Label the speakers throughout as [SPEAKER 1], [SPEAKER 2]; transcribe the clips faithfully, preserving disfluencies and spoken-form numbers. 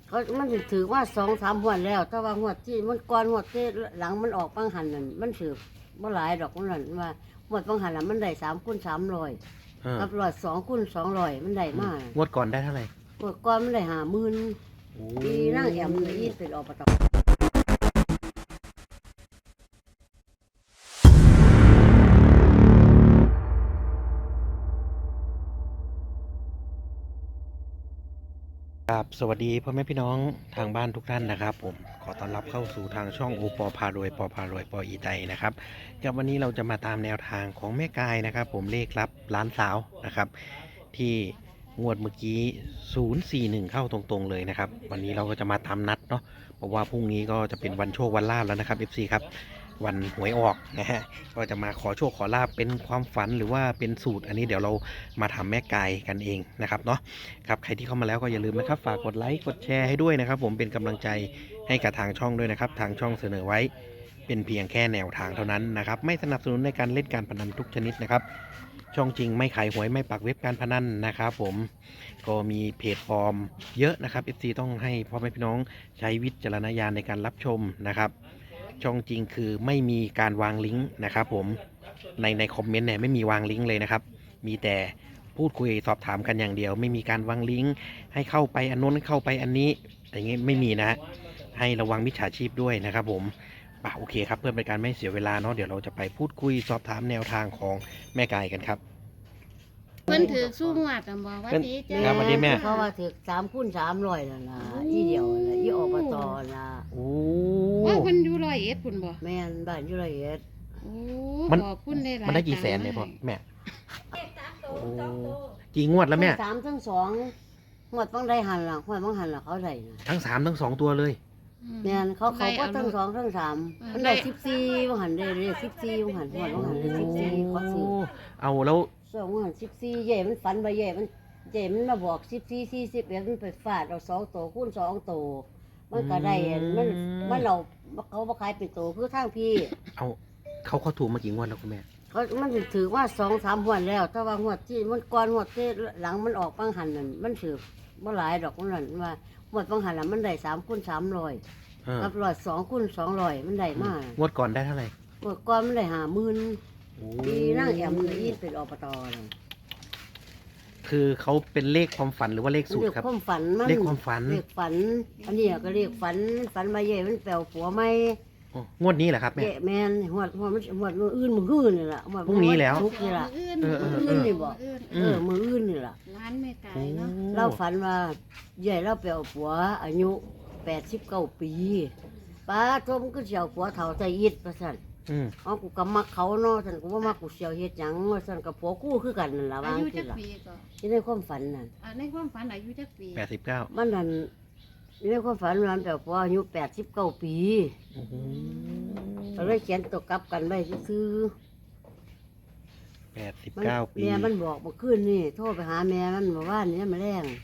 [SPEAKER 1] เขามันสิถือว่าสองสามหัวดแล้วแต่ว่าหัวดที่มันก่อนหัวดที่หลังมันออกบางหันนั่นมันถือเมื่อหลายดอกมันนั่นว่าหัวดบางหันน่ะมันได้สามคูณสามร้อย
[SPEAKER 2] เออ
[SPEAKER 1] กับร้อยสองคูณสองร้อยมันได้มาก
[SPEAKER 2] งวดก่อนได้เท่าไหร่
[SPEAKER 1] หัวดก่อนมันได้ห้าหมื่น
[SPEAKER 2] โอ้
[SPEAKER 1] ปีนั่งแอมเลยอีทเป็นอบต.
[SPEAKER 2] ครับสวัสดีพ่อแม่พี่น้องทางบ้านทุกท่านนะครับผมขอต้อนรับเข้าสู่ทางช่องโอปอพารวยปอพารวยปออีไตนะครับกับวันนี้เราจะมาตามแนวทางของแม่กายนะครับผมเลขรับล้านสาวนะครับที่งวดเมื่อกี้ศูนย์สี่หนึ่งเข้าตรงๆเลยนะครับวันนี้เราก็จะมาตามนัดเนาะเพราะว่าพรุ่งนี้ก็จะเป็นวันโชควันลาภแล้วนะครับ เอฟ ซี ครับวันหวยออกนะฮะก็จะมาขอโชคขอลาบเป็นความฝันหรือว่าเป็นสูตรอันนี้เดี๋ยวเรามาทำแม่กายกันเองนะครับเนาะครับใครที่เข้ามาแล้วก็อย่าลืมนะครับฝากกดไลค์กดแชร์ให้ด้วยนะครับผมเป็นกำลังใจให้กับทางช่องด้วยนะครับทางช่องเสนอไว้เป็นเพียงแค่แนวทางเท่านั้นนะครับไม่สนับสนุนในการเล่นการพนันทุกชนิดนะครับช่องจริงไม่ขายหวยไม่ปักเว็บการพนันนะครับผมก็มีเพจฟอร์มเยอะนะครับ เอฟ ซี ต้องให้พ่อแม่พี่น้องใช้วิจารณญาณในการรับชมนะครับช่องจริงคือไม่มีการวางลิงก์นะครับผมในในคอมเมนต์เนี่ยไม่มีวางลิงก์เลยนะครับมีแต่พูดคุยสอบถามกันอย่างเดียวไม่มีการวางลิงก์ให้เข้าไปอันนู้นเข้าไปอันนี้อย่างงี้ไม่มีนะให้ระวังมิจฉาชีพด้วยนะครับผมป่ะโอเคครับเพื่อเป็นการไม่เสียเวลาเนาะเดี๋ยวเราจะไปพูดคุยสอบถามแนวทางของแม่กายกันครับ
[SPEAKER 3] เพิ่นถือสู้งวดกันบอกว่าดีจ้
[SPEAKER 2] ครับสวัสดีแม่
[SPEAKER 1] เขาว่าถือสามคูณสามร้อยนั่นล่ะอีเดียวน่ะอีอบตน่ะ
[SPEAKER 2] โอ้
[SPEAKER 3] ว่าเพิ่นอยู่ร้อยเอ็ดพุ่นบ่
[SPEAKER 1] แม่นบ้านอยู่ละเอียด
[SPEAKER 3] โอ้
[SPEAKER 2] มัน
[SPEAKER 3] ขอบคุณได้หลาย
[SPEAKER 2] มันได้กี่แสนเนี่ยพ่อ
[SPEAKER 3] ตังค์
[SPEAKER 2] แม่โอ้กี่งวดแล้วแม่
[SPEAKER 1] ทั้งสามทั้งสองหวดบางได้หันล่ะหวดบางหันล่ะเขาได้นะ
[SPEAKER 2] ทั้งสามทั้งสองตัวเลย
[SPEAKER 3] อืม
[SPEAKER 1] แม่นเขาเขาก็ทั้งสองทั้งสาม
[SPEAKER 3] เออ
[SPEAKER 1] มันได้
[SPEAKER 3] ได้
[SPEAKER 1] สิบสี่บางหันได้เลยสิบสี่บางหันหวดบางหันได้สิบสี่เขาซื้อ
[SPEAKER 2] เอาแล้ว
[SPEAKER 1] สองบางหันสิบสี่เย่มันฝันไปเย่มันเย่มันมาบอกสิบสี่สี่สิบเอ็ดมันไปฟาดเอาสองตัวคูณสองตัวมันก็ได้อันมันมันเราเขาบ่ขายเป็นตัวคือทางพี่
[SPEAKER 2] เอาเขาเขาถูกมากี่งวดแล้วคุณแม่
[SPEAKER 1] เขามันสิถือว่าสองสามหัวดแล้วแต่ว่าหัวดที่มันก่อนหัวดที่หลังมันออกบางหันนั่นมันถือเมื่อหลายดอกมันนั่นว่าหัวดบางหันน่ะมันได้สามคูณสามร้อย
[SPEAKER 2] เออ
[SPEAKER 1] กับร้อยสองคูณสองร้อยมันได้มาก
[SPEAKER 2] งวดก่อนได้เท่าไหร่
[SPEAKER 1] หัวดก่อนมันได้ห้าหมื่น
[SPEAKER 2] โอ้
[SPEAKER 1] ปีนั่งแอมเลยอีทเป็นอบตเลย
[SPEAKER 2] คือเขาเป็นเลขความฝันหรือว่าเลขสูต
[SPEAKER 1] เรี
[SPEAKER 2] ร
[SPEAKER 1] ยก
[SPEAKER 2] ครับ
[SPEAKER 1] ความฝันมัน
[SPEAKER 2] เลขความฝัน
[SPEAKER 1] เรียกฝัน อันนี้ก็เรียกฝันฝันมาเย่มันแปลวผัวไม่
[SPEAKER 2] โอ้งวดนี้เหรอครับแม่
[SPEAKER 1] เย่แมนหัวดหัวดมันหัวดมืออื่นมืออื่นนี่แหละหัวด
[SPEAKER 2] พรุ่งนี้แล้ว
[SPEAKER 1] ทุกนี่แหละ
[SPEAKER 3] มื้ออื่น
[SPEAKER 2] เออเออ
[SPEAKER 1] มื้ออื่นนี่บ่
[SPEAKER 3] มื้ออื่น
[SPEAKER 1] เออมืออื่นนี่แหละ
[SPEAKER 3] ร้านแม่ไก่
[SPEAKER 2] โอ้
[SPEAKER 3] เนาะ
[SPEAKER 1] เราฝันว่าใหญ่เราไปเอาผัวอายุแปดสิบเก้าปีป้าทมก็เสียวผัวเฒ่าใจอิดประสัน
[SPEAKER 2] อืม
[SPEAKER 1] อ๋อกูก็มักเขาเนาะฉันก็ว่ามักกูเสียวเฮ็ดหยังว่าฉันกับผัวกู้คือกันนั่นล่ะ
[SPEAKER 3] อา
[SPEAKER 1] ว่า
[SPEAKER 3] ยุ
[SPEAKER 1] จั
[SPEAKER 3] จั
[SPEAKER 1] ง
[SPEAKER 3] ก
[SPEAKER 1] ล่ะ
[SPEAKER 3] ปีก็
[SPEAKER 1] ที่ในความฝันนั่น
[SPEAKER 3] อ่าในความฝันอายุจักปี
[SPEAKER 2] แปดสิบเก้า
[SPEAKER 1] มันนั่นในความฝันมันแบบผัวอายุแปดสิบเก้าปี
[SPEAKER 2] โอ้โห
[SPEAKER 1] ก็เลยเขียนตกกลับกันไว้ซื่อ
[SPEAKER 2] แปดสิบ
[SPEAKER 1] ๆมัน
[SPEAKER 2] เก้าปี
[SPEAKER 1] แม่มันบอกเมื่อคืนนี่โทรไปหาแม่มันเมื่อวานนี้มาแรง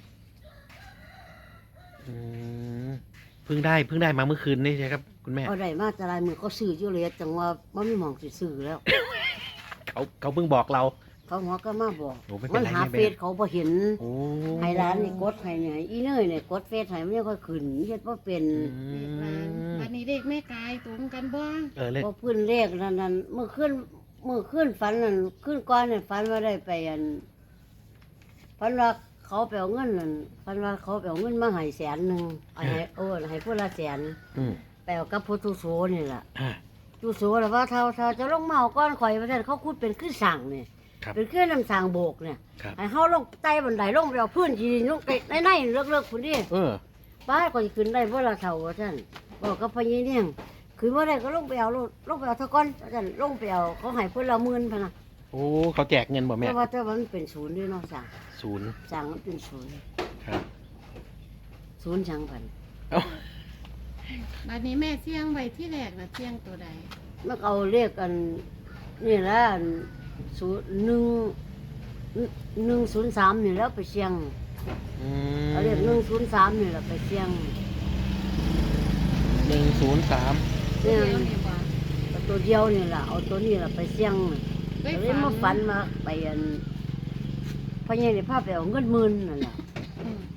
[SPEAKER 2] อืมเพิ่งได้เพิ่งได้มาเมื่อคืนนี่ใช่ครับคุณแม่
[SPEAKER 1] เอาได้มาแต่ลายมือเขาซื้ออยู่เลยจังว่าบ่มีหม่องสิซื้อแล้ว
[SPEAKER 2] เขาเขาเพิ่งบอกเรา
[SPEAKER 1] เขาหัวก็มาบอก
[SPEAKER 2] โอ้ไม่เป็น
[SPEAKER 1] มัน
[SPEAKER 2] ไร
[SPEAKER 1] หา
[SPEAKER 2] ไม่
[SPEAKER 1] เฟ
[SPEAKER 2] เป็นไร
[SPEAKER 1] ซเขาบ่เห็น
[SPEAKER 2] โอ้
[SPEAKER 1] ให้ร้านนี่กดให้เนี่ยอีเนยเนี่ยกดเฟซให้มันยังค่อยขึ้นเฮ็ดบ่เป็น
[SPEAKER 2] อื
[SPEAKER 3] เด็กร้าน
[SPEAKER 2] ม
[SPEAKER 3] วันนี้เด็กแม่ไก่ตรงกันบ่
[SPEAKER 2] เออเลข
[SPEAKER 1] บ่พื้นเลขนั่นนั่นเมื่อคืนเมื่อคืนฝันนั่นคืนก่อนนั่นฝันว่าได้ไปอันฝันว่าเขาไปเอาเงินนั่นฝันว่าเขาไปเอาเงินมาให้แสนหนึงเอาให้โอ้ให้ผู้ละแสน
[SPEAKER 2] อืม
[SPEAKER 1] ไปเอากับพุทธโสนี่ล่ะ
[SPEAKER 2] อ่า
[SPEAKER 1] ตุโสแล้วว่าเท่าเท่าจะลงเมาก้อนข่อยว่าซั่นเขาคุดเป็นขึ้นสั่งนี่
[SPEAKER 2] ครับ
[SPEAKER 1] เป็นขึ้นน้ำสั่งโบกเนี่ย
[SPEAKER 2] ครับ
[SPEAKER 1] ให้เฮาลงใต้บันไดลงไปเอาพื้นที่ลงไปในในเลิกๆพุ่นดิ
[SPEAKER 2] เออ
[SPEAKER 1] ป้าก็สิขึ้นได้บ่ล่ะเท่าว่าซั่นบอกกับพญาเนี่ยงขึ้นบ่ได้ก็ลงไปเอาโลดลงไปเอาเท่าก่อนว่าซั่นลงไปเอาเขาให้เพิ่นละหมื่นพะนะ
[SPEAKER 2] โอ้เขาแจกเงินบ่แม่
[SPEAKER 1] แต่ว่าแต่ว่ามันเป็นศูนย์ด้วยเนาะสั่ง
[SPEAKER 2] ศูนย์
[SPEAKER 1] สั่งมันเป็นศูนย์
[SPEAKER 2] ครับ
[SPEAKER 1] ศูนย์สั่งพัน
[SPEAKER 2] เอ้า
[SPEAKER 3] บัดนี้แม่เสี่ยงไว้ที่แรกน่ะเสี่ยงตัวใด
[SPEAKER 1] มันเอาเรียกกันนี่แหละอันศูนย์หนึ่งหนึ่งศูนย์สามนี่แล้วไปเชียง
[SPEAKER 2] อืม
[SPEAKER 1] เอาเรียกหนึ่งศูนย์สามนี่แหละไปเชียง
[SPEAKER 2] หนึ่งศูนย์สาม
[SPEAKER 3] เดี๋ยวนี่บ่
[SPEAKER 1] เอาตัวเดียวนี่แหละเอาตัวนี้แหละไปเชียง
[SPEAKER 3] ได้
[SPEAKER 1] ก็เลยมาฝันมาไปอันพ่อใหญ่ได้พาไปเอาเงินหมื่นนั่นแหละ
[SPEAKER 3] อืม
[SPEAKER 1] พ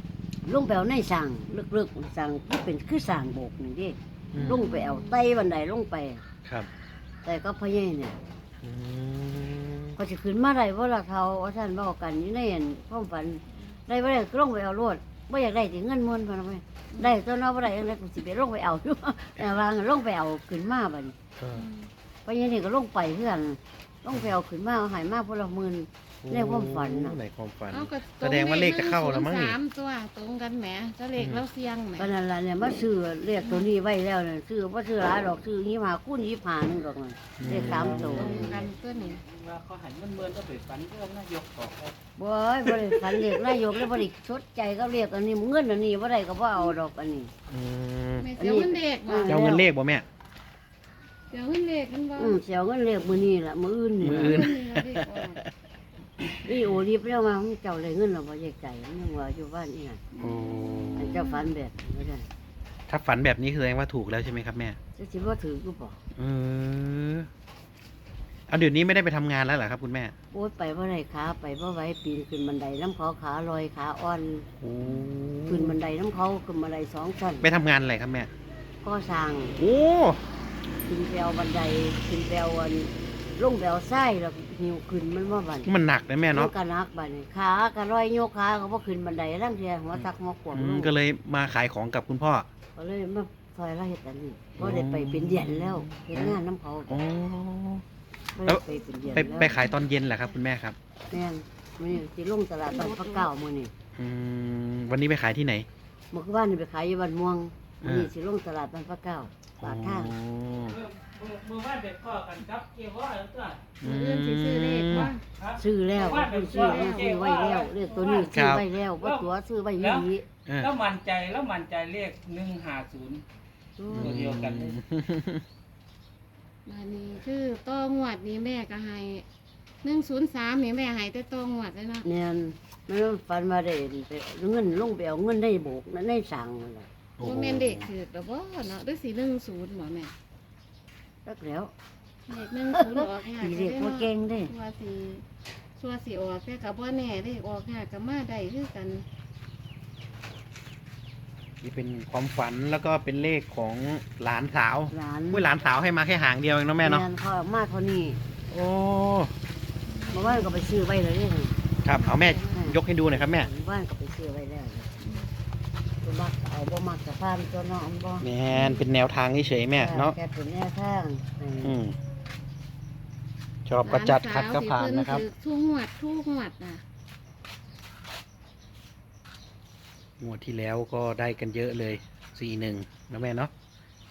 [SPEAKER 1] ลงไปเอาในสั่งลึกๆสั่งที่เป็นคือสั่งโบกนี่เดิ
[SPEAKER 2] อืม
[SPEAKER 1] ลงไปเอาไต้บันไดลงไป
[SPEAKER 2] ครับ
[SPEAKER 1] แต่ก็พ่อใหญ่เนี่ย
[SPEAKER 2] อืม
[SPEAKER 1] ก็จะขึ้นมาได้ว่าละเขาว่าท่านบอกกันนี่ในอันความฝันได้บ่ได้ก็ลงไปเอารวดบ่อยากได้ถึงเงินมวนพอนะแม่ได้ตัวเนาะบ่ได้ยังไงกูสิไปลงไปเอา อยู่ แต่ว่าลงไปเอาขึ้นมาบัดนี้
[SPEAKER 2] ก็
[SPEAKER 1] พ่อใหญ่นี่ก็ลงไปเพื่อนลงไปเอาขึ้นมาเอาใหายมาพนละหมื่น ในความฝันน่ะ
[SPEAKER 2] ในความฝัน
[SPEAKER 3] เอาก็
[SPEAKER 2] แสดงว่าเลขจะเข้าแล้วมั้งนี่
[SPEAKER 3] สามตัวตรงกันแหมจะเลขแล้วเสียงแหม
[SPEAKER 1] ก็นั่นล่ะเนี่ยมาซื้อเรียกตัวนี้ไว้แล้วเนี่ยซื้อบ่ซื้อหลายดอกซื้อยี่ห้าคูณยี่ห้านึงดอกนั่นเลขสามตัว
[SPEAKER 3] ตรงกันตัวนี้
[SPEAKER 4] ว่าเขาหันเงินเมินก็ไปฝันเรื่องนายกต่อครับ
[SPEAKER 1] บ่ยบ่ได้ฝันเรียกนายกแล้วบ่ได้ชดใจก็เรียกอันนี้เงินอันนี้บ่ได้ก็บ่เอาดอกอันนี้
[SPEAKER 2] อืม
[SPEAKER 3] แม่เสียวเงินเลขบ่
[SPEAKER 1] อันนี้
[SPEAKER 2] จะเอาเงินเลขบ่แม่
[SPEAKER 3] เสียวเงินเลขกันบ่
[SPEAKER 1] อืมเสียวเงินเรียกมื้อนี้ล่ะมื้ออื่นนี่
[SPEAKER 2] มื้ออื่
[SPEAKER 1] ล่ะ
[SPEAKER 3] นี่ล่ะเลขออก
[SPEAKER 1] นี่โอรีบแล้วมาเจ้าได้เงินแล้วบ่แยกใจมันยังว่าอยู่บ้านนี่น่ะ
[SPEAKER 2] โอ้
[SPEAKER 1] อันเจ้าฝันแบบนี้บ่ได้
[SPEAKER 2] ถ้าฝันแบบนี้คือแสดงว่าถูกแล้วใช่ไหมครับแม่
[SPEAKER 1] จะสิบ่ถือกูบ่
[SPEAKER 2] เออเอาเดี๋ยวนี้ไม่ได้ไปทำงานแล้วเหรอครับคุณแม่
[SPEAKER 1] โอ๊ยไปบ่ได้ขาไปบ่ไหวปีนขึ้นบันไดน้ำเขาขาลอยขาอ่อน
[SPEAKER 2] โอ้
[SPEAKER 1] ขึ้นบันไดน้ำเขาขึ้นบันไดสองชั้น
[SPEAKER 2] ไปทำงานอะไรครับแม่
[SPEAKER 1] ก่อสร้าง
[SPEAKER 2] โอ้
[SPEAKER 1] ขึ้นแปลวบันไดขึ้นแปลวอันลงแปลวไส้แล้วหิวขึ้นมันบ่บัด
[SPEAKER 2] มันหนักนะแม่
[SPEAKER 1] มั
[SPEAKER 2] เนาะ
[SPEAKER 1] นก็หนักบัดนี้ขาก็ลอยโยกขาก็บ่ขึ้นบันไดทั้งเทียหัวซักหัวขวบ
[SPEAKER 2] อื
[SPEAKER 1] ล
[SPEAKER 2] ม
[SPEAKER 1] ง
[SPEAKER 2] ก็เลยมาขายของกับคุณพ่อ
[SPEAKER 1] ก็เลยมาซอยละเฮ็ดอันนี้บ่ได้ไปเป็นเดือนแล้วเฮ็ดงานน้ำเขา
[SPEAKER 2] โอ้
[SPEAKER 1] บ่ได้ไปเป็นเดือน
[SPEAKER 2] ไป
[SPEAKER 1] แล้ว
[SPEAKER 2] ไปขายตอนเย็นเหรอครับคุณแม่ครับ
[SPEAKER 1] แม่นมื้อนี้สิลงตลาดบ้านพระเก้ามื้อนี้
[SPEAKER 2] อืมวันนี้ไปขายที่ไหน
[SPEAKER 1] เมื่อวานนี่ไปขายอยู่บ้านม่วงมื้อนี้
[SPEAKER 2] อ่า
[SPEAKER 1] สิลงตลาดบ้านพระเก้าปากทาง
[SPEAKER 2] อ๋อ
[SPEAKER 4] เมื่อเมื่อวานเด็กพ่อกันครับเกี่ยวว่าแล้วก็
[SPEAKER 3] มื้ออื่นสิซื้อเลขบ่
[SPEAKER 4] ครับ
[SPEAKER 1] ซื้อแล้วคุณซื้อแล้วซื้อไว้แล้วเรียกตัวนี้ซื้อไว้แล้วบ่ตัวซื้อไว้อยู่นี่
[SPEAKER 2] เออ
[SPEAKER 4] แล้วมั่นใจแล้วมั่นใจเลขหนึ่งห้าศูนย์ ตัวเดียวกันเลย
[SPEAKER 3] บัดนี้คือต่องวดนี้แม่ก็ให้หนึ่งศูนย์สามนี่แม่ให้แต่ต่องวดเลยเนาะ
[SPEAKER 1] เนี่ยมันฝันมาได้ไปเงินลงไปเอาเงินได้โบกนั่นได้สั่งนั่นแหละ
[SPEAKER 2] โอ้
[SPEAKER 3] บ่แม่นเด็กคือแต่บ่เนาะหรือสิหนึ่งศูนย์บ่แม่
[SPEAKER 1] รักแล้ว
[SPEAKER 3] เลขหนึ่งศูนย์ออกยาก
[SPEAKER 1] สีเรียกว่าเก่งเด้
[SPEAKER 3] ว่าสิชัวสิออกแต่ก็บ่แน่เลขออกยากก็มาได้คือกัน
[SPEAKER 2] นี่เป็นความฝันแล้วก็เป็นเลขของหลานสาว
[SPEAKER 1] หลาน
[SPEAKER 2] อุ้ยหลานสาวให้มาแค่หางเดียวเองเนาะแม่เนาะ
[SPEAKER 1] เขาออกมาเท่านี้
[SPEAKER 2] โอ้
[SPEAKER 1] เมื่อวานก็ไปซื้อไว้เลยเนี่ย
[SPEAKER 2] ครับเอาแม่ยกให้ดูหน่อยครับแม่
[SPEAKER 1] เมื่อวานก็ไปซื้อไว้แล้วตัวมักก็เอาบ่มักกับพานตัวน้องบ่
[SPEAKER 2] แม่นเป็นแนวทางเฉยๆแม่เนาะ
[SPEAKER 1] แค่เป็นแนวทางอืม
[SPEAKER 2] อืมชอบก็จัดขัดก็ผ่าน
[SPEAKER 3] หล
[SPEAKER 2] นะครับ
[SPEAKER 3] สวที่เพิ่นถือทุกงวดทุกงวดน่ะ
[SPEAKER 2] งวดที่แล้วก็ได้กันเยอะเลยสี่หนึ่งนะแม่เนาะ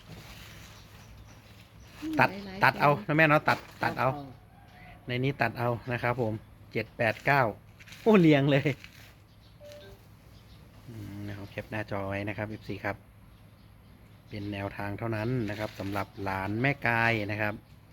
[SPEAKER 2] ตัด
[SPEAKER 3] หลายๆ
[SPEAKER 2] ตัดเอา
[SPEAKER 3] แสน
[SPEAKER 2] นะแม่เนาะตัดตัดเอา ในนี้ตัดเอานะครับผมเจ็ดแปดเก้าโอ้เรียงเลยอืมนะครับแคปหน้าจอไว้นะครับ เอฟ ซี ครับ เป็นแนวทางเท่านั้นนะครับสำหรับหลานแม่กายนะครับ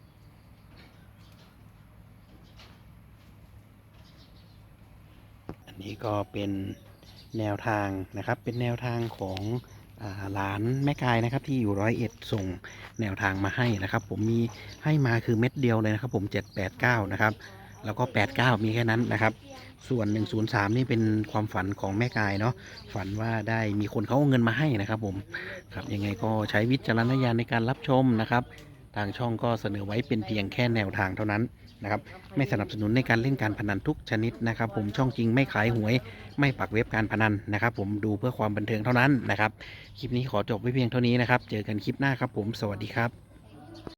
[SPEAKER 2] อันนี้ก็เป็นแนวทางนะครับ เป็นแนวทางของอ่าหลานแม่กายนะครับ ที่อยู่ร้อยเอ็ดส่งแนวทางมาให้นะครับ ผมมีให้มาคือเม็ดเดียวเลยนะครับ ผมเจ็ดแปดเก้านะครับ แล้วก็แปดเก้ามีแค่นั้นนะครับ ส่วนหนึ่งศูนย์สามนี่เป็นความฝันของแม่กายเนาะฝันว่าได้มีคนเขาเอาเงินมาให้นะครับ ผมครับยังไงก็ใช้วิจารณญาณในการรับชมนะครับ ทางช่องก็เสนอไว้เป็นเพียงแค่แนวทางเท่านั้นนะครับ ไม่สนับสนุนในการเล่นการพนันทุกชนิดนะครับ ผมช่องจริงไม่ขายหวย ไม่ปักเว็บการพนันนะครับ ผมดูเพื่อความบันเทิงเท่านั้นนะครับ คลิปนี้ขอจบไว้เพียงเท่านี้นะครับ เจอกันคลิปหน้าครับผมสวัสดีครับ